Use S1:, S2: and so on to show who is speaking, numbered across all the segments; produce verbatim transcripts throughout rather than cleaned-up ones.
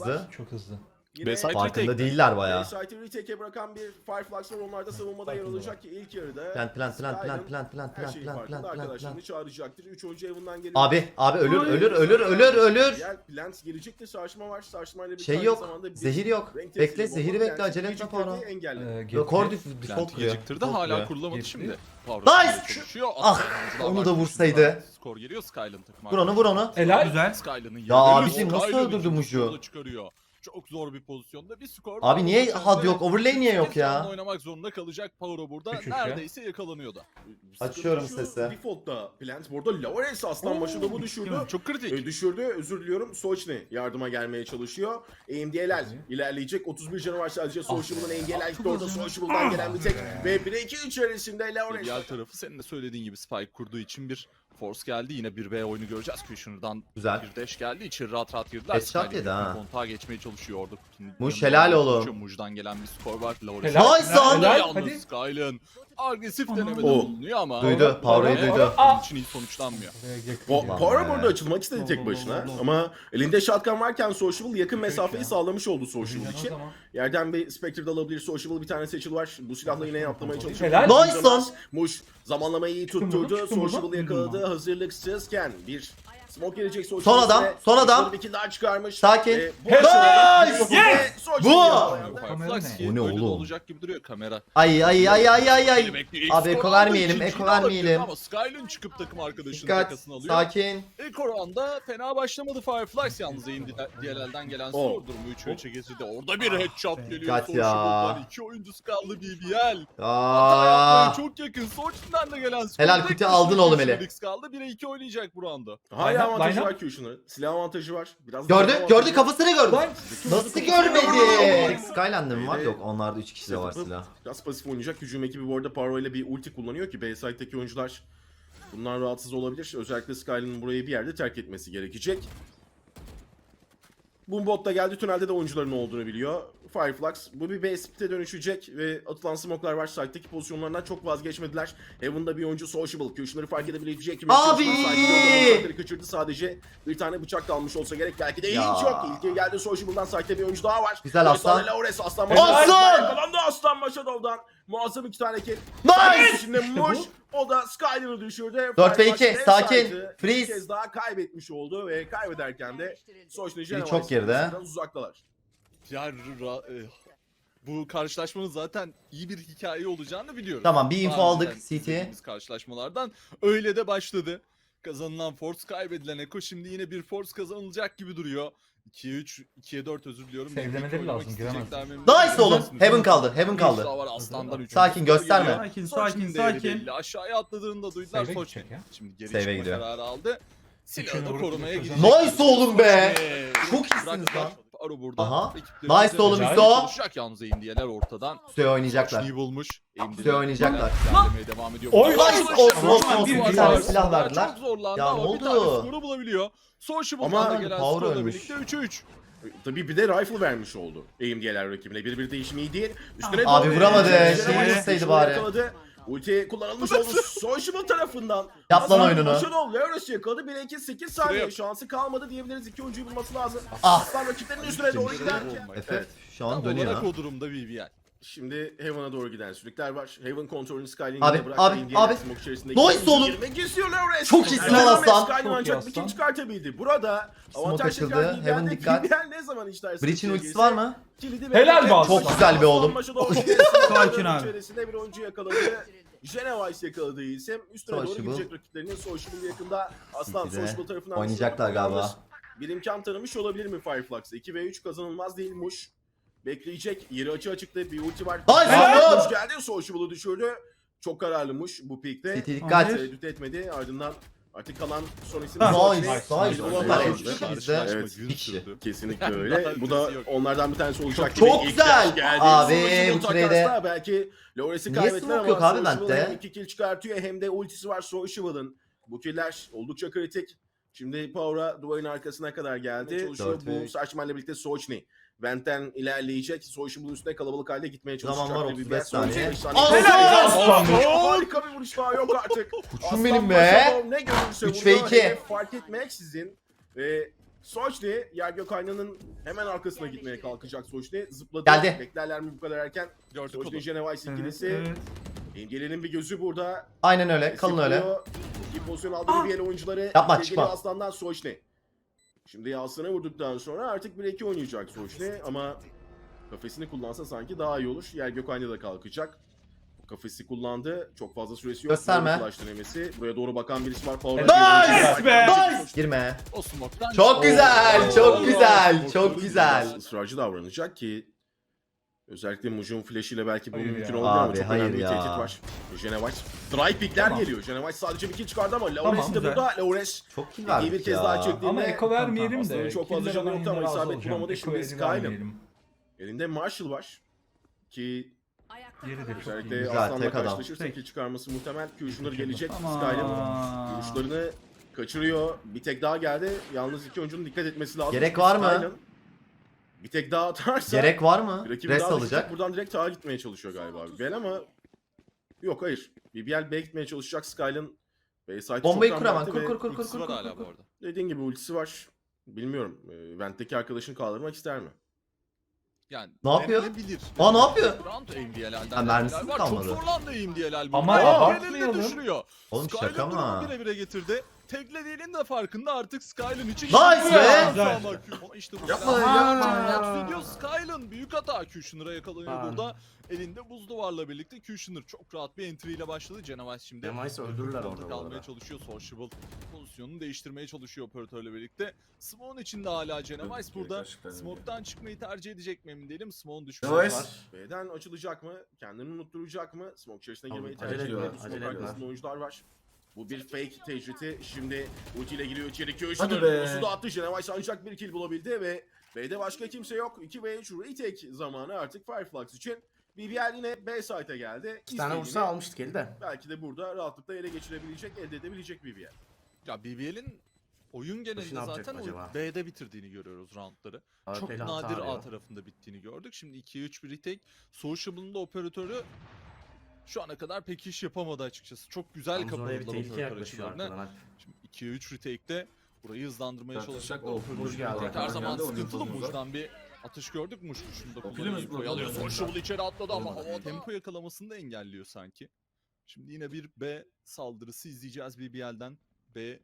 S1: hızlı.
S2: Çok hızlı.
S3: Bayside
S1: Farkında
S3: retake.
S1: değiller bayağı.
S4: Bayside'ı retake'e bırakan bir Fireflux var. Onlar da savunmada yer alacak ki ilk yarıda.
S1: Plan plan plan plan
S4: Skyrim
S1: plan plan
S4: her
S1: plan
S4: şeyin
S1: plan
S4: farkında
S1: plan plan
S4: arkadaşlarını
S1: plan.
S4: çağıracaktır. üç oyuncu evinden geliyor.
S1: Abi abi ölür ölür ölür ölür ölür.
S4: Diğer plant gelecektir. Sarsma var. Sarsmayla bir
S1: Şey
S4: aynı
S1: yok.
S4: zamanda bir
S1: Zehir yok.
S4: renk
S1: Bekle
S4: tesiri
S1: zehiri
S4: bomba
S1: bekle
S4: plant
S1: acele etme
S4: geciktirdi,
S1: Power.
S4: engelledi.
S2: Ee,
S1: Yok core
S2: Getty.
S1: default
S3: Planti
S1: kuruyor.
S3: geciktirdi
S1: Default
S3: hala
S1: kuruyor.
S3: kurulamadı
S2: Geçti.
S3: şimdi.
S1: Nice!
S3: Çalışıyor.
S1: Ah,
S3: Atlayan
S1: onu
S3: oyuncular
S1: da
S3: var.
S1: vursaydı.
S3: Skor geliyor Skyland takımı.
S1: Vur onu vur onu.
S2: Helal.
S5: Güzel.
S3: Skyland'ın
S1: Ya abicim nasıl öldürdü Mucu?
S3: Çıkarıyor. Çok zor bir pozisyonda bir skor.
S1: Abi niye
S3: Power'da
S1: had yok? Overlay niye yok
S3: sekiz canlı
S1: ya?
S3: oynamak zorunda kalacak Power'o burada.
S2: Üç üç ya.
S3: Neredeyse yakalanıyordu.
S1: Açıyorum
S4: Şu
S1: sesi.
S4: Default'ta plant burada Lawrence aslan başı da bu düşürdü.
S3: Çok kritik.
S4: E, düşürdü. Özür diliyorum. Sochni yardıma gelmeye çalışıyor. A M D L'ler ilerleyecek. otuz bir canı var sadece Sociable'ın A M D L'ler gitti orada. Sociable'dan gelen bir tek. Ve bir iki içerisinde Lawrence.
S3: Diğer tarafı senin de söylediğin gibi Spike kurduğu için bir force geldi. Yine bir B oyunu göreceğiz. Kushner'dan
S1: Güzel.
S3: bir dash geldi. İçeri rahat rahat girdiler.
S1: Headshot
S3: Skyler
S1: yedi ha.
S3: kontağa geçmeye çalışıyor orada. kutunun
S1: Muş,
S3: yanında
S1: helal
S3: olduğunu
S1: oğlum.
S3: konuşuyor. Muj'dan gelen bir skor var. Lawrence.
S2: Helal.
S1: Nice lan!
S2: Helal.
S3: Yalnız
S2: Hadi.
S3: Skylen agresif denemede
S4: Oh.
S3: bulunuyor ama.
S1: Duydu. Power'ı
S2: Helal.
S1: duydu.
S3: Bunun için iyi sonuçlanmıyor.
S4: Po-
S1: Ulan
S4: Power
S1: be.
S4: burada açılmak istedi tek başına ama elinde shotgun varken Sociable yakın mesafeyi sağlamış oldu Sociable için. Yerden bir Spectre de alabilir. Sociable bir tane seçil var. Bu silahla yine atlamaya çalışıyor.
S2: Helal.
S1: Nice lan!
S4: Muş zamanlamayı iyi
S2: Çıktım
S4: tutturdu.
S2: buradan, çıktım
S4: Sociable'ı
S2: buradan.
S4: yakaladı. Hazırlıksızken bir smoke gelecek Sociable.
S1: Son adam, son adam.
S4: Bir kill daha çıkarmış.
S1: Sakin.
S4: Ve bu
S1: Nice!
S4: aşamada-
S2: Yes!
S4: Ve Sociable
S1: Bu!
S4: yakalayandı.
S2: Kamera
S3: Fireflux
S2: ne?
S1: Bu ne
S3: öyle de
S1: oğlum?
S3: olacak gibi duruyor kamera.
S1: Ay ay ay ay ay ay.
S3: Bekliyor. İlk
S1: Abi
S3: skor
S1: eko
S3: aldı,
S1: vermeyelim,
S3: ikinciyi
S1: eko
S3: de alabilirdi
S1: vermeyelim.
S3: Ama Skylen çıkıp takım arkadaşının
S1: Dikkat.
S3: takasını alıyor.
S1: Sakin.
S3: İlk oranda fena başlamadı Fireflux yalnız aim D L L'den gelen
S4: Oh.
S3: skor durumu üçe üçe getirdi. Orada bir headshot geliyor.
S1: Dikkat ya.
S3: Sociable'dan iki oyuncusu kaldı B B L. Hata
S1: Aa.
S3: yapmaya çok yakın. Soç'tan da gelen skor.
S1: Helal,
S3: Tek
S1: kuti
S3: kişi
S1: aldın oğlum
S3: Felix
S1: eli.
S3: kaldı. bire iki oynayacak bu anda.
S4: Hala
S2: Line up,
S4: avantajı
S2: line up.
S4: var Q'şunun. Silah avantajı var. Biraz
S1: Gördü,
S4: silah
S1: gördü
S4: avantajı var.
S1: kafasını gördü.
S2: Lan.
S1: Nasıl görmedi? Skyland'ı mı var?
S4: Ee,
S1: Yok, onlarda üç kişi de var
S4: Yapıp
S1: silah.
S4: Biraz pasif oynayacak. Hücum ekibi bu arada Paro ile bir ulti kullanıyor ki Bayside'deki oyuncular bundan rahatsız olabilir. Özellikle Skylin'in burayı bir yerde terk etmesi gerekecek. Boombot da geldi. Tünelde de oyuncuların olduğunu biliyor. Fireflux. Bu bir base split'e dönüşecek ve atılan smoke'lar var. Side'deki pozisyonlarından çok vazgeçmediler. Heaven'da bir oyuncu Sociable. Q'şunları fark edebilecek mi?
S1: Abi!
S4: Side'de kaçırdı sadece. Bir tane bıçak kalmış olsa gerek. Belki de
S1: Ya.
S4: hiç yok. İlk geldi Sociable'dan. Side'de bir oyuncu daha var.
S1: Güzel
S4: Bir
S1: aslan.
S4: tane Laures Aslan
S1: Aslan!
S4: Yakalandı Aslan Maşadov'dan. Muazzam iki tane kill.
S1: Nice!
S4: Şimdi Muş o da Skyler'ı düşürdü.
S1: dört ve iki,
S4: Fireflux
S1: sakin.
S4: Bayside'ı
S1: Freeze.
S4: Bir kez daha kaybetmiş oldu ve kaybederken de Soçni
S1: çok geride.
S4: uzaktalar.
S3: Ya ra- e, bu karşılaşmanın zaten iyi bir hikaye olacağını biliyoruz.
S1: Tamam, bir info
S3: Daha
S1: aldık
S3: önceden
S1: C T.
S3: izlediğimiz karşılaşmalardan öyle de başladı. Kazanılan force, kaybedilen Eko, şimdi yine bir force kazanılacak gibi duruyor. ikiye üç, ikiye dört özür diliyorum.
S2: Sevlemeleri
S3: Birlikte oynamak
S2: lazım,
S3: isteyecekler mi?
S1: Nice oğlum.
S3: Bilirsiniz.
S1: Heaven kaldı, Heaven
S3: Bir
S1: kaldı.
S3: daha var Aslan'dan üçüncü
S1: Sakin,
S3: skor
S1: gösterme.
S3: geliyor.
S5: Sakin,
S3: Soçni'nin
S5: sakin,
S3: değeri
S5: sakin.
S3: belli. Aşağıya atladığında duydular
S2: Save'e
S3: Soçni.
S2: gidecek ya.
S3: Şimdi geri
S1: Save'e
S3: çıkma
S1: gidiyor.
S3: kararı aldı. Silahını
S2: Üçünü
S3: korumaya
S2: vurup
S3: gidecek.
S1: Nice oğlum be!
S3: Soçni.
S1: Çok iyisiniz
S3: Bıraktılar.
S1: lan.
S3: Aro burada.
S1: Aha.
S3: Ekipleri
S1: Nice oğlum
S3: üzerine
S1: Hüso.
S3: çalışacak yalnız Indiyeler ortadan.
S1: Suya oynayacaklar.
S3: Soçni'yi bulmuş.
S1: Suya oynayacaklar.
S3: İlerlemeye devam ediyor.
S2: Oy,
S1: nice olsun, olsun, olsun.
S5: Bir
S1: Bir
S5: kill
S1: tane
S5: var.
S1: silah verdiler.
S3: Çok zorlandı
S1: Ya
S3: ama
S1: ne
S3: bir tane
S1: oldu?
S3: skoru bulabiliyor. Sociable'dan
S4: Ama
S3: da gelen
S1: Power
S3: skorla
S1: ölmüş.
S3: birlikte üçe üç.
S4: Tabii bir de rifle vermiş oldu A M D L'ler rakibine. Bir bir değişimi iyi değil. Üstüne
S1: Abi
S4: doğru-
S1: vuramadı.
S4: Üzerine
S1: Şeyi
S4: yakaladı.
S1: vursaydı bari.
S4: Yakaladı. Ulti kullanılmış oldu Sociable tarafından.
S1: Yap lan oyununu.
S4: Maşadov Laures yakaladı. bir iki sekiz saniye
S3: Şuraya-
S4: şansı kalmadı diyebiliriz. İki oyuncuyu bulması lazım.
S1: Ah.
S4: Aslan rakiplerinin üstüne doğru giderken.
S1: Efe şu an
S3: Tam
S1: dönüyor.
S3: olarak o durumda B B L.
S4: Şimdi Heaven'a doğru giden sürükler var. Heaven kontrolünü Skyline'e
S1: Abi,
S4: bıraktı.
S1: abi,
S4: Indiana
S1: abi.
S4: smoke içerisinde
S1: Nice
S4: ikinci
S1: oğlum.
S4: girmek istiyor Laures.
S1: Çok iyisin
S4: Erken
S1: lan aslan.
S4: Skyline
S2: Çok iyi
S4: ancak bir
S2: aslan.
S4: kill çıkartabildi. Burada avantaj
S1: açıldı.
S4: tekrar B B L'de.
S1: Heaven dikkat.
S4: B B L ne zaman işler
S1: Breach'in
S4: sıkıntıya
S1: ultisi
S4: girse
S1: var mı?
S4: kilidi
S2: Helal
S4: ve-
S2: be aslan.
S1: Çok güzel be oğlum.
S5: Sakin abi.
S4: İçerisinde bir oyuncu yakaladı. Genevice yakaladığı isim. Üstüne doğru
S1: Sociable.
S4: gidecek rakiplerinin Sociable yakında. Aslan
S1: City'de
S4: Sociable tarafından
S1: oynayacaklar
S4: düşürüldü.
S1: galiba.
S4: Yalnız bir imkan tanımış olabilir mi Fireflux'a? iki ve üç kazanılmaz değil Muş. Bekleyecek. Yeri açı açıkta bir ulti var.
S1: Nice
S4: Helal!
S1: oğlum!
S4: Muş geldi. Sociable'ı düşürdü. Çok kararlı Muş bu pikte.
S1: C T dikkat.
S4: Tereddüt etmedi. Ardından artık kalan son isim
S1: Nice,
S4: Sochni.
S1: nice,
S4: Biz
S1: nice.
S4: olan
S1: Süper.
S4: var.
S1: İki kişi bizde.
S3: Karşılaşma
S4: Evet,
S3: gün
S1: bir kişi.
S3: sürdü.
S4: Kesinlikle
S3: Yani
S4: öyle.
S3: daha
S4: Bu da
S3: ötesi yok.
S4: onlardan bir tanesi olacak.
S1: Çok
S4: İlk
S1: güzel.
S4: yaş geldi.
S1: Abi,
S4: Sonuçta
S1: bu trade'e-
S4: takasla belki Laures'i
S1: Niye
S4: kaybettiler
S1: smoke yok
S4: ama
S1: abi
S4: Sociable
S1: bende?
S4: hem iki kill çıkartıyor hem de ultisi var Sociable'ın. Bu killer oldukça kritik. Şimdi Power'a duvarın arkasına kadar geldi. Çalışıyor.
S1: Dört ve
S4: Bu
S1: üç.
S4: Saçman'la birlikte Sochni. Vent'ten ilerleyecek. Sociable'ın üstüne kalabalık halde gitmeye
S1: Zaman
S4: çalışacak.
S1: var,
S4: Bir
S1: otuz beş
S4: son
S1: saniye.
S4: otuz beş saniye.
S1: Aslan!
S4: Helal!
S2: Aslan!
S4: Harika bir vuruş daha yok artık.
S1: Kuçum
S4: Aslan
S1: benim be.
S4: Maşadov ne görürse
S1: Üç ve
S4: vuruyor.
S1: iki.
S4: Hedef fark etmeksizin ve Sochni, yer gök aynanın hemen arkasına gitmeye kalkacak Sochni. Zıpladı.
S1: Geldi.
S4: Beklerler mi bu kadar erken?
S3: Gördük
S4: Sochni
S3: onu.
S4: Genevice
S5: Evet,
S4: ikilisi.
S5: evet.
S4: İmgele'nin bir gözü burada.
S1: Aynen öyle. Kalın öyle.
S4: Yapıyor. İki pozisyon aldı bir el oyuncuları.
S1: Yapma,
S4: İlgili
S1: çıkma.
S4: Aslan'dan Sochni. Şimdi Aslan'a vurduktan sonra artık bir iki oynayacak Sochni ama kafesini kullansa sanki daha iyi olur. Yer gök aynı da kalkacak. Kafesi kullandı. Çok fazla süresi yok.
S1: Gösterme.
S4: Doğru flash denemesi. Buraya doğru bakan birisi var. Power
S1: Nice
S5: be!
S1: Nice. Girme.
S3: O smoke'tan
S1: Çok güzel, çok
S3: Oo.
S1: güzel, çok
S4: Biraz
S1: güzel.
S4: ısrarcı davranacak ki özellikle Muj'un flash ile belki bu
S5: Hayır
S4: mümkün
S5: ya.
S4: olabilir ama
S1: Abi,
S4: çok
S1: hayır
S4: önemli bir
S1: ya.
S4: tehdit var. Genevice dry pickler
S5: Tamam.
S4: geliyor. Genevice sadece bir kill çıkardı ama Laures
S5: Tamam,
S4: de
S5: güzel.
S4: burada. Laures
S1: Çok kill
S4: iyi
S1: verdik
S4: bir kez daha
S1: ya.
S4: çektiğinde
S5: Ama eko vermeyelim
S4: Aslanın
S5: de.
S4: çok fazla
S5: killer
S4: canı
S5: alan
S4: yoktu ama
S5: yine razı
S4: isabet
S5: olacağım.
S4: bulamadı.
S5: Eko
S4: Şimdi
S5: eli
S4: Skyrim.
S5: vermeyelim.
S4: Elinde Marshall var ki
S5: Yeri de çok iyi.
S4: özellikle
S1: Güzel,
S4: Aslan'la
S1: tek adam.
S4: karşılaşırsa
S5: Tek.
S4: kill çıkarması muhtemel. Q'şunları gelecek.
S5: Aman.
S4: Skyrim vuruşlarını kaçırıyor. Bir tek daha geldi. Yalnız iki oyuncunun dikkat etmesi lazım.
S1: Gerek var mı?
S4: Skyrim bir tek daha atarsa
S1: Gerek var mı?
S4: rakibi
S1: Rest
S4: daha
S1: alacak.
S4: düşecek. Buradan direkt tağa gitmeye çalışıyor galiba B B L ama yok hayır. B B L B'ye gitmeye çalışacak. Skyline B site'ı
S1: Bombayı
S4: çoktan
S1: kur hemen.
S4: bıraktı
S1: Kur
S4: ve
S1: kur kur kur
S3: Ultisi
S1: kur
S3: var
S1: kur.
S3: hala bu
S1: kur.
S3: arada.
S4: dediğin gibi ultisi var. Bilmiyorum. E, Vent'teki arkadaşını kaldırmak ister mi?
S3: Yani
S1: Ne yapıyor?
S3: denenebilir.
S1: Aa, ne yapıyor?
S3: Round aim diye helalden
S1: Ha, mermisi
S3: denemeler
S1: mi
S3: var.
S1: kalmadı?
S3: Çok zorlandı aim diye helal.
S5: Ama
S3: burada.
S5: abartmayalım.
S3: Elinde düşürüyor.
S1: Oğlum
S3: Skyline
S1: şaka
S3: durumu
S1: mı?
S3: bire bire getirdi. Teklediğinin de farkında artık Skyline için.
S1: Nice
S3: Şimdi
S1: be!
S3: Güzel.
S5: Güzel.
S3: Ama işte bu
S1: Yapma,
S3: silah-
S1: yapma.
S3: Ediyor Skyline büyük hata. Kushner'a yakalanıyor
S2: Ha.
S3: burada. Elinde buz duvarla birlikte Kushner çok rahat bir entry ile başladı. Genevice şimdi
S2: Genevice öldürürler orada bu
S3: kalmaya
S2: arada.
S3: çalışıyor. Sociable pozisyonunu değiştirmeye çalışıyor operatörle birlikte. Smoke'un içinde hala Genevice burada.
S2: Gerçekten öyle.
S3: Smoke'tan çıkmayı tercih edecek mi emin değilim. Smoke'un düşmesi
S2: Genevice.
S3: var.
S4: B'den açılacak mı? Kendini unutturacak mı? Smoke içerisine
S2: Tamam,
S4: girmeyi
S2: acele
S4: tercih ediyor.
S2: ediyorlar,
S4: Smoke
S2: acele
S4: arkasında
S2: ediyorlar.
S4: oyuncular var. Bu bir fake tecriti. Şimdi ulti ile giriyor içeri.
S2: Hadi
S4: Kushner
S2: be.
S4: Usu da attı. Genevice ancak bir kill bulabildi ve B'de başka kimse yok. iki ve üç retake zamanı artık Fireflux için. B B L yine B site'e geldi.
S2: İki tane
S4: İstediğini
S2: vursa almıştık eli de.
S4: belki de burada rahatlıkla ele geçirebilecek, elde edebilecek B B L.
S3: Ya B B L'in oyun genelinde
S2: ne yapacak
S3: zaten
S2: acaba?
S3: o B'de bitirdiğini görüyoruz roundları.
S2: A
S3: Çok
S2: P'li hata
S3: nadir
S2: arıyor.
S3: A tarafında bittiğini gördük. Şimdi ikiye üç bir retake. Sociable'ın da operatörü şu ana kadar pek iş yapamadı açıkçası. Çok güzel
S2: Yalnız oraya bir
S3: kapadılar
S2: tehlike
S3: operatör
S2: yaklaşıyor
S3: açılarını.
S2: arkadan. Alp.
S3: Şimdi ikiye üç retake'de burayı hızlandırmaya
S6: Tartışacak
S3: çalışacak.
S6: o
S3: Operatör
S2: Muj geldi,
S3: her
S2: arkadan
S3: zaman
S6: geldi, oyun
S3: sıkıntılı.
S6: pozumuz var.
S3: Muj'dan bir atış gördük. Muj kuşunda
S6: Biliyor
S3: kullanıyor.
S6: musun?
S3: Info'yu alıyor.
S6: Biliyor musun?
S3: Sociable içeri atladı ama
S6: Olmadı.
S3: hava tempo yakalamasını da engelliyor sanki. Şimdi yine bir B saldırısı izleyeceğiz B B L'den. B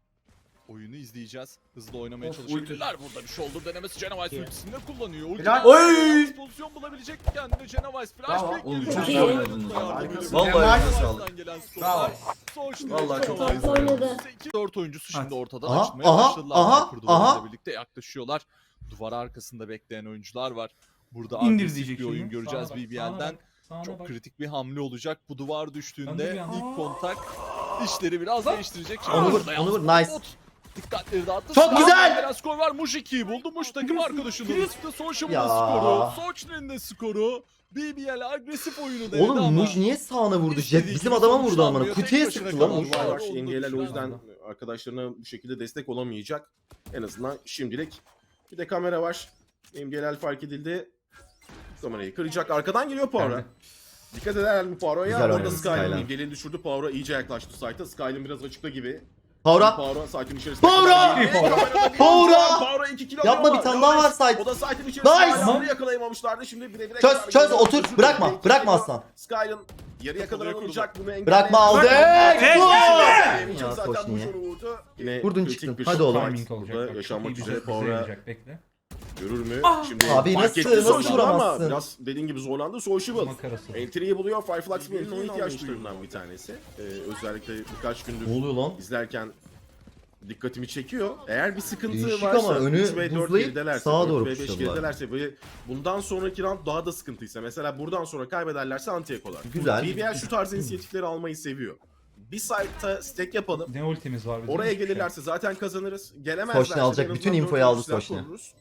S3: oyunu izleyeceğiz. Hızlı oynamaya
S6: Of,
S3: çalışabilirler. Burada bir shoulder denemesi Genevice ultisini de kullanıyor. Ulti
S2: Helal.
S3: Oy! Pozisyon bulabilecek mi kendine Genevice? Flash
S2: Bravo.
S3: pick
S6: Oğlum,
S3: geliyor.
S6: çok
S2: iyi
S3: Yardım
S6: oynadınız
S3: ediyor.
S6: vallahi.
S3: Yardım
S2: Vallahi
S3: ediyor.
S6: eline
S3: Genevice'den
S6: sağlık.
S3: gelen skorlar.
S2: Bravo.
S3: Sonuçta
S6: Vallahi çok
S3: Genevice
S6: iyi oynadı.
S3: dört oyuncusu şimdi
S5: Hadi.
S3: ortadan
S1: Aha,
S3: açmaya
S1: aha,
S3: başladılar.
S1: aha,
S3: Hyper duvarıyla
S1: aha.
S3: birlikte yaklaşıyorlar. Duvar arkasında bekleyen oyuncular var. Burada
S5: İndir
S3: agresif
S5: diyecek
S3: bir oyun
S5: şimdi.
S3: göreceğiz
S5: Sağına bak,
S3: B B
S5: sağına
S3: L'den.
S5: bak, sağına
S3: Çok
S5: bak.
S3: kritik bir hamle olacak. Bu duvar
S5: Döndür
S3: düştüğünde
S5: bir an.
S3: ilk kontak işleri biraz değiştirecek. Şimdi
S1: Onu vur,
S3: burada
S1: onu
S3: yalnız
S1: vur, nice.
S3: bot dikkatleri dağıttı.
S1: Çok
S3: Sağdan
S1: güzel.
S3: gelen skor var. Muj ikiyi buldu. Muj takım arkadaşının üstü. Sociable'ın
S1: Ya.
S3: skoru. Sochner'in de skoru. B B L agresif oyunu denedi ama.
S1: Oğlum Muj niye sağına vurdu? Jet
S3: İstediği
S1: bizim
S3: gibi
S1: adama vurdu
S3: sonuçlanmıyor.
S1: amına.
S3: Tek
S1: Kutuya
S3: başına
S1: sıktı lan
S3: kalan
S1: Muj.
S3: var.
S4: var.
S3: Onu da
S4: Engeller o
S3: düşüren
S4: yüzden
S3: adam.
S4: arkadaşlarına bu şekilde destek olamayacak. En azından şimdilik. Bir de kamera var. Engeller fark edildi. Kamerayı kıracak. Arkadan geliyor Power'a.
S5: Geldi.
S4: Dikkat eder mi Power'a?
S1: Güzel
S4: Orada
S1: oynadı
S4: Skyline.
S1: Skyline.
S4: Engelini düşürdü. Power'a iyice yaklaştı site'a. Skyline biraz açıkta gibi.
S1: Power'a.
S4: Power'a site'in içerisinde.
S1: Power'a!
S4: Power'a! Power'a iki kill
S1: Yapma,
S4: alıyor
S1: bir tane
S4: ama
S1: daha var
S4: Lawrence,
S1: site.
S4: O da site'in içerisinde.
S1: Nice!
S4: Hala onu yakalayamamışlardı. Şimdi bire bire
S1: Çöz,
S4: kadar
S1: çöz,
S4: geliyor.
S1: otur.
S4: Düşürdü.
S1: Brakma,
S4: Belki
S1: brakma
S4: geliyor.
S1: aslan.
S4: Skyline yarıya kadar
S3: Kuruyor,
S4: alınacak. Bunu engelleyen-
S1: Bırakma, aldık.
S4: Bırakma.
S1: Gol!
S4: Zaten
S1: Ya,
S4: bu
S1: Sochni'ye.
S4: şunu vurdu. Yine
S1: Vurdun
S4: kritik
S1: çıktın.
S4: bir
S1: Hadi
S4: shot
S1: oğlum.
S4: fight
S5: Timing olacak.
S4: burada
S5: Bak,
S4: yaşanmak
S5: çok iyi
S4: üzere
S5: bize, bize
S4: Power'a
S5: yarayacak. Bekle.
S4: görür mü? Şimdi
S1: Abi
S4: fark
S1: nasıl,
S4: etti
S1: nasıl
S4: Sociable ama
S1: vuramazsın?
S4: biraz dediğin gibi zorlandı. Sociable.
S5: Makarası.
S4: Entry'yi buluyor. Fireflux Bill'in onun ihtiyaç duyduğundan bir tanesi. Ee, özellikle birkaç gündür
S1: Ne oluyor lan?
S4: izlerken dikkatimi çekiyor. Eğer bir sıkıntı
S1: Değişik
S4: varsa
S1: ama önü
S4: üç ve dört
S1: buzlayıp
S4: geridelerse,
S1: sağa
S4: dört
S1: doğru
S4: ve beş
S1: pushladılar.
S4: geridelerse ve bundan sonraki round daha da sıkıntıysa mesela buradan sonra kaybederlerse anti-ekolar.
S1: Güzel.
S4: B B L şu tarz inisiyatifleri almayı seviyor. Bir site'ta stack yapalım.
S5: Ne ultimiz var bizim?
S4: Oraya
S5: Hiçbir şey.
S4: gelirlerse zaten kazanırız. Gelemezlerse
S1: Sochni alacak,
S4: en azından
S1: bütün
S4: dört
S1: infoyu
S4: oyuncu
S1: aldı
S4: silah
S1: Sochni.
S4: koruruz.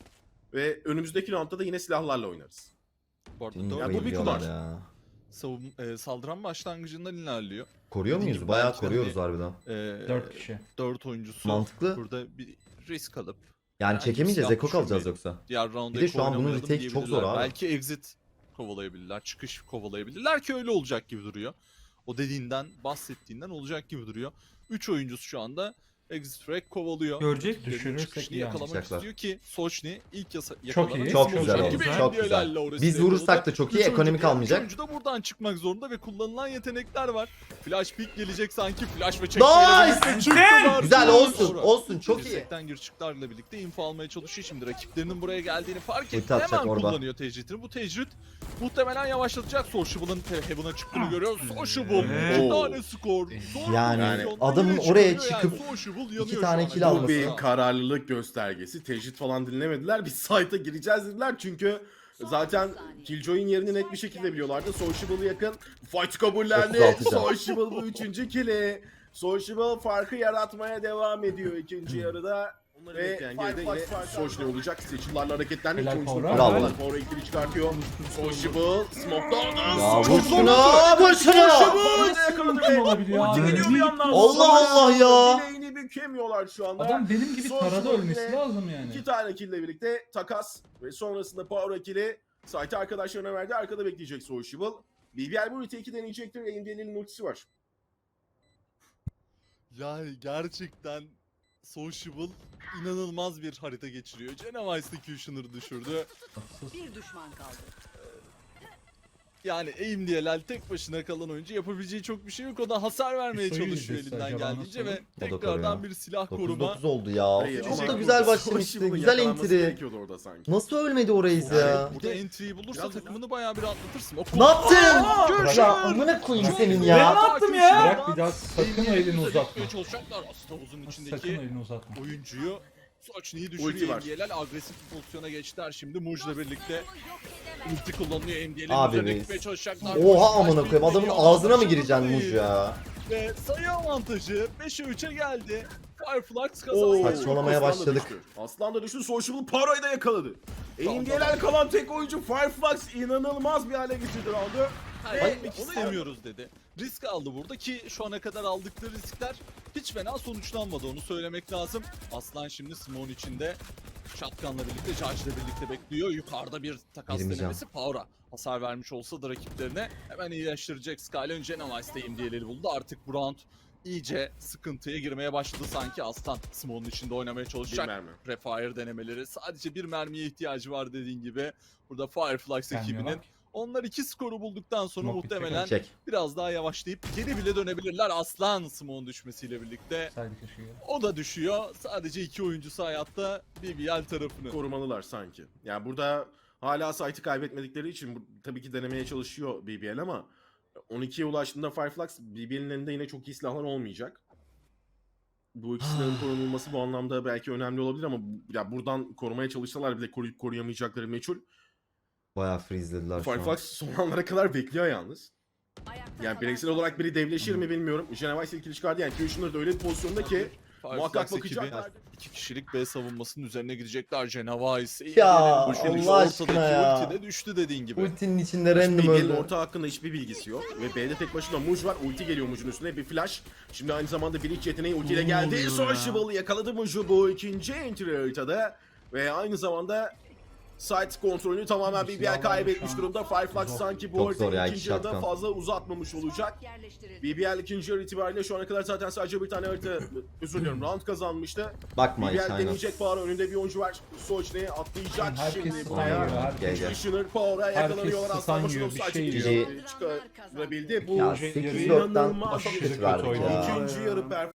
S4: Ve önümüzdeki roundda da yine silahlarla oynarız.
S3: Bu arada
S1: Hmm,
S3: dört
S4: Ya bu bir
S1: bayılıyorlar
S4: kumar.
S1: ya.
S3: savun, e, saldıran başlangıcından ilerliyor.
S1: Koruyor
S3: Dediğim
S1: muyuz?
S3: gibi
S1: Bayağı
S3: belki
S1: koruyoruz
S3: hani-
S1: harbiden.
S3: E,
S5: Dört kişi.
S3: dört oyuncusu
S1: Mantıklı.
S3: burada bir risk alıp
S1: Yani
S3: herhangi bir
S1: çekemeyeceğiz.
S3: silah
S1: Eko kalacağız
S3: düşürmeyin.
S1: yoksa.
S3: diğer round'a
S1: Bir de şu an bunun
S3: oynamayalım
S1: retake çok zor
S3: diyebilirler.
S1: abi.
S3: Belki exit kovalayabilirler, çıkış kovalayabilirler ki öyle olacak gibi duruyor. O dediğinden, bahsettiğinden olacak gibi duruyor. üç oyuncusu şu anda Exit Frag kovalıyor.
S5: Görecek,
S3: Rakiplerinin
S5: düşürürsek
S3: çıkışını
S5: iyi
S3: yakalamak
S1: anlayacaklar.
S3: istiyor ki Sochni ilk yasa
S5: Çok
S3: yakalanan
S5: iyi,
S1: Çok
S3: isim
S1: güzel
S3: olacak
S1: oldu,
S3: gibi
S1: çok
S3: N B L'lerle
S1: güzel.
S3: orası
S1: Biz
S3: yakaladı.
S1: vurursak da çok iyi,
S3: Üç
S1: ekonomik
S3: oyuncu,
S1: almayacak.
S3: üç oyuncu da buradan çıkmak zorunda ve kullanılan yetenekler var. Flash pick gelecek sanki. Flash ve çekmeyle
S1: Nice!
S3: birlikte çıktılar.
S1: Güzel, olsun,
S3: Sonra
S1: olsun, çok iyi.
S3: dirsekten gir çıklarla birlikte info almaya çalışıyor şimdi. Rakiplerinin buraya geldiğini fark
S1: Ulti
S3: etti.
S1: atacak
S3: Hemen
S1: orada.
S3: kullanıyor tecritini. Bu tecrit muhtemelen yavaşlatacak. Sociable'ın Heaven'a çıktığını görüyoruz. Sociable
S5: Evet.
S3: iki tane skor. Zor
S1: Yani
S3: pozisyondan
S1: adamın
S3: yine
S1: oraya
S3: çıkarıyor
S1: çıkıp
S3: yani. Sociable yanıyor
S1: iki
S3: şu
S1: tane
S3: an.
S1: kill
S4: Bu
S1: alması.
S4: bir kararlılık göstergesi. Tecrit falan dinlemediler. Biz site'a gireceğiz dediler çünkü zaten Killjoy'un yerini net bir şekilde biliyorlardı. Sociable'ı yakın. Fight kabullendi.
S1: otuz altı can.
S4: Sociable bu üçüncü kill'i. Sociable farkı yaratmaya devam ediyor ikinci yarıda.
S2: Onları
S4: Ve
S2: bekleyen
S4: Fight
S2: geride
S4: Box
S2: yine
S4: farkı Sociable olacak. Seçillerle hareketlendi.
S5: Helal
S4: İki oyuncunun
S5: Power.
S1: Bravo.
S4: farkı. Power ikili çıkartıyor. Sociable smoke'dan.
S1: Ya vur
S4: Çok
S1: şunu,
S4: zorlandı.
S1: vur şunu.
S4: Sociable yakaladı
S5: Nasıl
S4: ve
S5: olabiliyor
S4: ulti
S5: abi?
S4: geliyor bir yandan.
S1: Allah Allah ya.
S4: Bileğini bükemiyorlar şu anda.
S5: Adam benim gibi
S4: Sociable
S5: tarada ölmesi
S4: yine
S5: lazım yani.
S4: İki tane kill ile birlikte takas ve sonrasında Power kill'i site arkadaşlarına verdi. Arkada bekleyecek Sociable. B B L bu ulti iki deneyecektir. A M D'nin ultisi var.
S3: Yani gerçekten Sociable inanılmaz bir harita geçiriyor. Genovice'de Kushner'ı düşürdü.
S6: Bir düşman kaldı.
S3: Yani aim diye Lel tek başına kalan oyuncu yapabileceği çok bir şey yok. O da hasar vermeye
S5: Soyu
S3: çalışıyor
S5: izlese
S3: elinden
S5: acaba
S3: geldiğince
S5: nasıl
S3: ve
S5: olur?
S1: O da
S3: tekrardan
S1: koruyor.
S3: bir silah
S1: dokuz
S3: koruma.
S1: dokuz oldu ya.
S4: Hayır,
S1: Çok
S4: ama
S1: da güzel
S4: burada
S1: başlamıştı.
S4: Sociable'ın
S1: Güzel
S4: yakalanması
S1: entry.
S4: gerekiyordu orada sanki.
S1: Nasıl ölmedi o Reis ya?
S3: Burada entry'yi bulursa
S4: Biraz-
S3: takımını bayağı bir atlatırsın. O
S1: Ne yaptın?
S3: Görüşürüz.
S1: Ya amına koyayım senin
S5: Ben
S1: ya.
S5: ne yaptım ya?
S3: Bırak
S5: Bırak bir daha sakın elini uzatma.
S3: Çalışacaklar aslında havuzun
S5: Sakın
S3: içindeki
S5: elini uzatma.
S3: oyuncuyu. Sochni'yi
S4: Ulti
S3: düşürüyor.
S4: var.
S3: M D L agresif bir pozisyona geçtiler şimdi. Muj'la birlikte ulti kullanıyor. M D L'in
S1: Abi
S3: üzerine
S1: reis.
S3: gitmeye çalışacaklar.
S1: Oha
S3: Muj
S1: amına
S3: baş
S1: koyayım. Adamın
S3: geliyor.
S1: ağzına mı
S3: Başarılı
S1: gireceksin Muj
S3: değil.
S1: ya?
S3: Ve sayı avantajı beşe üçe geldi. Fireflux
S4: Oo,
S3: kazandı.
S1: Saçmalamaya
S4: Aslan da
S1: başladık.
S4: düştü. Aslan da düştü. Sociable Paro'yu da yakaladı.
S3: Tamam,
S4: A M D'ler kalan tek oyuncu Fireflux inanılmaz bir hale getirdi roundu.
S3: Kaybetmek istemiyoruz dedi. Risk aldı burada ki şu ana kadar aldıkları riskler hiç fena sonuçlanmadı, onu söylemek lazım. Aslan şimdi Simon içinde Shotgun'la birlikte, Judge'la birlikte bekliyor. Yukarıda bir takas
S1: Girmeyeceğim.
S3: denemesi Power'a hasar vermiş olsa da rakiplerine hemen iyileştirecek. Skyline Genovice'de diyeleri buldu. Artık bu round iyice sıkıntıya girmeye başladı sanki. Aslan Simon'un içinde oynamaya
S4: Bir
S3: çalışacak.
S4: mermi.
S3: Prefire denemeleri. Sadece bir mermiye ihtiyacı var dediğin gibi. Burada Fireflux ekibinin. Onlar iki skoru bulduktan sonra
S5: Smoke
S3: muhtemelen
S1: Çek.
S3: biraz daha yavaşlayıp geri bile dönebilirler. Aslan Simon düşmesiyle birlikte.
S5: Saydı köşeye.
S3: O da düşüyor. Sadece iki oyuncusu hayatta B B L tarafını.
S4: Korumalılar sanki. Yani burada hala site'ı kaybetmedikleri için bu, tabii ki denemeye çalışıyor B B L ama on ikiye ulaştığında Fireflux B B L'in elinde yine çok iyi silahlar olmayacak. Bu ikisinin korunulması bu anlamda belki önemli olabilir ama bu- ya buradan korumaya çalışsalar bile koruyup koruyamayacakları meçhul.
S1: Bayağı freezelediler şu an.
S4: Fireflux son anlara kadar bekliyor yalnız.
S6: Ayakta
S4: Yani
S6: kalan
S4: bireysel
S6: son
S4: olarak biri devleşir mi bilmiyorum. Genevice ilkili çıkardı yani Kushner da öyle bir pozisyonda ki muhakkak
S3: Fireflux ekibi
S4: bakacaklar.
S3: iki kişilik B savunmasının üzerine gidecekler. Genovice.
S1: Ya,
S3: Allah
S1: Allah aşkına ya.
S3: Ulti de düştü dediğin gibi.
S1: Ultinin içinde random
S4: B B'nin
S1: öldü.
S4: orta hakkında hiçbir bilgisi yok. Ve B'de tek başına Muj var. Ulti geliyor Muj'un üstüne. Bir flash. Şimdi aynı zamanda bir iç yeteneği ultiyle geldi. Sociable yakaladı Muj'u bu ikinci entry haritada. Ve aynı zamanda site kontrolünü tamamen B B L kaybetmiş durumda. Fireflux
S5: Zor.
S4: sanki bu
S1: Çok zor ya,
S4: haritayı
S1: iki
S4: ikinci yarıda
S1: shotgun.
S4: fazla uzatmamış olacak.
S6: yerleştirildi.
S4: B B L ikinci yarı itibariyle şu ana kadar zaten sadece bir tane harita, özür diliyorum, round kazanmıştı.
S1: Bakma
S4: B
S1: hiç
S4: B L
S1: aynen.
S4: deneyecek Power, önünde bir oyuncu var. Sochne'ye atlayacak
S5: Herkes
S4: şimdi
S5: stun
S4: buraya.
S5: yiyor, herkes.
S1: Gel gel.
S4: Kushner Power'a yakalanıyorlar.
S5: stun
S4: Aslan
S5: yiyor,
S4: başına
S5: bir şey
S4: offside
S1: yiyor.
S4: çıkışı çıkarabildi. Bu
S1: Ya sekiz dörtten
S4: inanılmaz
S1: aşırı
S4: bir
S1: kötü
S5: kötü
S1: verdik
S5: oynadı.
S1: ya.
S4: ikinci yarı performansı.